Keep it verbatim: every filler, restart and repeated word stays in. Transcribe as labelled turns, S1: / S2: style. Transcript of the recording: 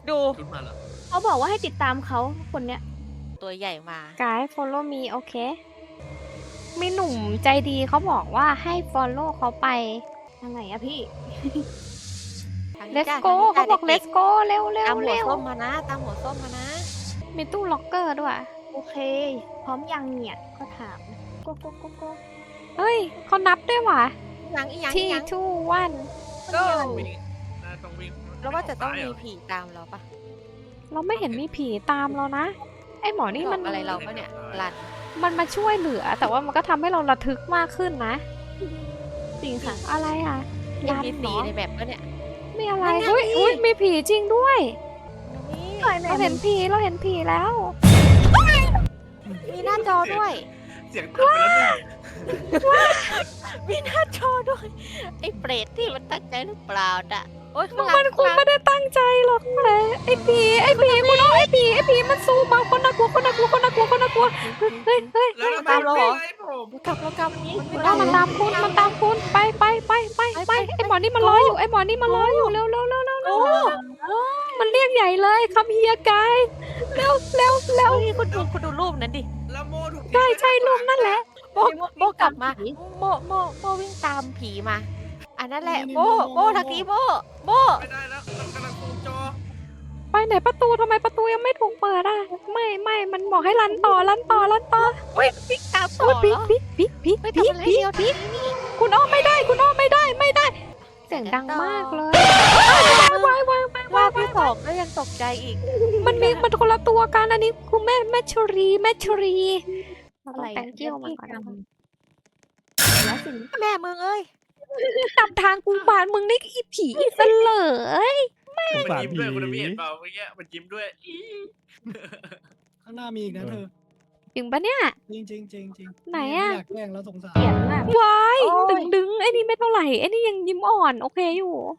S1: ดู
S2: ชุดมาเหรอ
S3: เขาบอกว่าให้ติดตามเขาคนเนี้ย
S1: ตัวใหญ่มา
S4: Guys follow me โอเค มีหนุ่มใจดีเขาบอกว่าให้ follow เขาไป
S3: ทางไหนอะพี่
S1: ทางนี้
S4: let's
S1: จ้ะ
S4: go
S1: ท
S4: เขา
S1: งนี้
S4: บอก
S1: จ้ะ
S4: let's go เร็วเร็
S1: ตาว มหัว
S4: เร็ว
S1: ส้มมานะ ตามหัวส้มมานะ
S4: มีตู้ล็อกเกอร์ด้วย
S3: โอเค พร้อมยังเนี่ยก็ถามโกโกโกโก
S4: เฮ้ยเขานับด้วยว่ะ
S1: ยังอีกยังอี
S4: ที่
S1: กยัง
S4: two one
S1: go
S2: วิ่งน่าต้องวิ่ง
S1: แล้วว่าจะต้อง
S2: ซ้ย
S1: มี
S2: เหร
S1: ผีตามเราปะ
S4: เราไม่เห็นมีผีตามเรานะ ไอหมอนี่มัน
S1: บอกอะไรเราปะเนี่ยรัน
S4: มันมาช่วยเหลือ แต่ว่ามันก็ทำให้เราระทึกมากขึ้นนะ
S3: จริงค่ะ
S4: อะไรอ่ะ
S1: ยั
S4: ยั
S1: ง
S4: น
S1: มี
S4: เหร
S1: สี
S4: อ
S1: ในแบบปะเนี่ย
S4: ไม่อะไร
S1: นั่นไง
S4: เฮ้ยอุ้ยมีผีจริงด้วย
S1: นี่
S4: เราเห็นผีเราเห็นผีแล้ว
S1: มีหน้าจอด้วย
S2: เสียงตัดไปแล้วหนึ่ง
S1: มีหน้าจอด้วย ไอ้เปรตที่มันตั้งใจหรือเปล่าอ่ะโอ๊ยข้างหลัง
S4: มันคง
S1: ข้างหลัง
S4: ไม่ได้ตั้งใจหรอกแหละไอ้ผีไอ้ผีคุณน้องไอ้ผีไอ้ผีมันสู้มาคนน่ากลัวคนน่ากลัวคนน่ากลัวคนน่ากลัวเฮ้ยเฮ้ย
S2: แล้วทำไม
S1: ตามเราเหรอ
S2: ไม่ไล่ผม
S1: กลับแล้วกลับมันไม่
S4: เอา
S1: ได้
S4: มันตามคุณมันตามคุณไปไปไปไปไปไอ้หมอนี่มันรออยู่ไอ้หมอนี่มันรออยู่เร็วเร็วเร็วเร็วเร็วมันเรียกใหญ่เลยคำเฮียกายเร็วเร็วเร็ว
S1: เฮ้ยคุณดูคุณดูรูปนั้นดิ
S2: แล้วโมถูกทิ้ง
S4: ใช่
S2: ไว้
S4: ใช่รูปนั่นแหละ
S1: โบโบกลับมาโบโบโบวิ่งตามผีมา อันนั้นแหละโบโบทางนี้โบโบ
S2: ไม่ได้แล้วเรากำลังซูมจอ
S4: ไปไหนประตูทำไมประตูยังไม่ถูกเปิดอ่ะไม่ไม่มันบอกให้รันต่อรันต่อรันต่อ
S1: เฮ้ยวิ่งตามต่
S4: โอ้
S1: อย
S4: ปิ๊
S1: เห
S4: ก
S1: รอ
S4: ปิ๊กปิ๊กปิ๊ก
S1: ไม่
S4: ปิ๊ก
S1: ทำอะไร
S4: ปิ๊
S1: เดียว
S4: กปิ๊ก
S1: นี่
S4: คุณอ้อมไม่ได้คุณอ้อมไม่ได้ไม่ได้เสียงดังมากเลยว้ายว้ายว้ายว้าย
S1: ว่า
S4: ว้าย
S1: พี่สองก็ยังตกใจอีก
S4: มันมีมันคนละตัวกันอันนี้คุณแม่แม่ชรีแม่ชรีเรา
S3: อะ
S4: ต้อ
S3: ไรง
S4: แต่งเกี้ยวมันก่อนนะ
S3: แล้วสิ่ง
S1: แม่มึงเอ้ย
S4: จำทางกูบานมึงนี่อีผีอีเสลย
S2: มันยิ้มด้วยคุณพี่เห็นเปล่าเมื่อกี้มันยิ้มด้วยอี
S5: ข้างหน้ามีอีกนะเธอ
S4: จริงปะเนี่ย
S5: จริงจริงจริงจริง
S4: ไหนอะ
S5: ม่อยากแกล้งแล้วสงสาร
S3: เขียนน่ะ
S4: วาย
S3: โอ้ย
S4: ดึงดึงไอ้นี่ไม่เท่าไหร่ไอ้นี่ยังยิ้มอ่อนโอเคอยู่